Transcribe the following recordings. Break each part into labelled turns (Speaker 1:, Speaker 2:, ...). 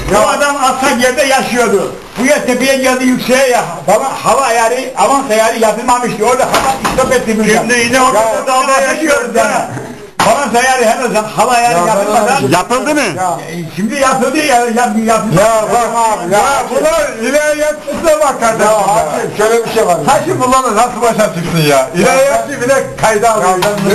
Speaker 1: Bu adam alçak yerde yaşıyordu. Bu yer tepeye geldi yükseğe ya. Hava ayarı, avans ayarı yapılmamıştı. Orada hava istop etti.
Speaker 2: Şimdi yine orada dağda yaşıyoruz ya.
Speaker 1: Avans ayarı henüz hava ayarı yapılmadan.
Speaker 3: Yapıldı mı?
Speaker 1: Şimdi yapıldı ya. Yapıldı.
Speaker 2: Ya bak abi ya. Bunlar ilahiyatçısına bak kardeşim. Ya abi şöyle bir şey var.
Speaker 1: Taşı bunlarla nasıl başa çıksın ya?
Speaker 2: İlahiyatçı bile kayda alıyor.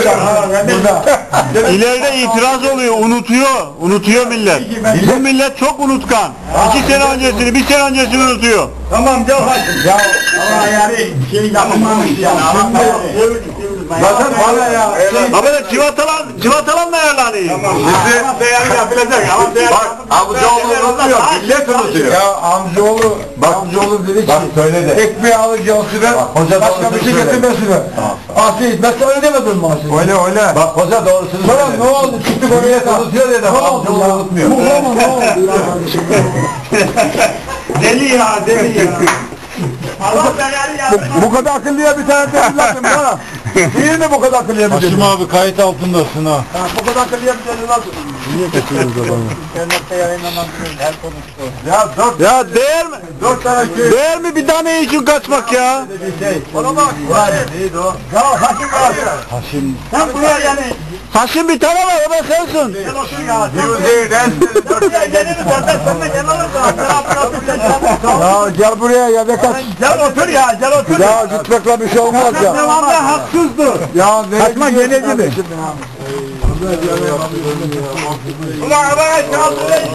Speaker 3: İleride itiraz oluyor, unutuyor millet. Bu millet çok unutkan. 2 sene öncesini, 1 sene öncesini unutuyor.
Speaker 1: Tamam gel hadi. Ya hava ayarı şey yapılmamış yani.
Speaker 2: Zaten bana ya.
Speaker 3: Ama da civatalanla ayarlanıyor.
Speaker 1: Avans ayarı yapılacak. Avans ayarı.
Speaker 2: Bak amcaoğlu unutuyor. Millet unutuyor. Ya amcaoğlu dedi ki. Bak söyle de. Ekmeği alacağız süre. Başka bir şey getirmesine. Asi hizmetse öyle demedin mi Asi? Öyle. Bak hoca doğrusunu söyle. Sonra ne oldu? Çıktık oraya unutuyor dedi. Amcaoğlu unutmuyor. Ne oldu ya?
Speaker 1: Deli ya. Avans ayarı yapılmamış.
Speaker 2: Bu kadar akıllıya bir tane lazım bana. Değil mi bu kadar akıllıya bir
Speaker 3: Haşim abi kayıt altındasın ha.
Speaker 2: Bu kadar akıllıya bir lazım.
Speaker 3: Niye kaçırdınız adamı?
Speaker 1: İnternette yayınlanan her konuştu.
Speaker 3: Ya değer mi?
Speaker 2: 4 tane köy.
Speaker 3: Değer mi bir tane için kaçmak ya?
Speaker 2: Ona bak. Neydi o?
Speaker 1: Ya Haşim var.
Speaker 3: Haşim.
Speaker 1: Sen buraya yani.
Speaker 3: Haşim bir tane var, o da sensin.
Speaker 1: Gel otur ya.
Speaker 2: Yüzeyden.
Speaker 1: Buraya geliriz zaten sen de gel alırsan.
Speaker 2: Ya gel buraya ya ne kaç.
Speaker 1: Gel otur ya. Gel otur.
Speaker 2: Ya gitmekle bir şey olmaz ya.
Speaker 1: Devamlı haksızdı.
Speaker 2: Ya
Speaker 1: Kaçma gene gibi. Ulan arkadaş kaldı.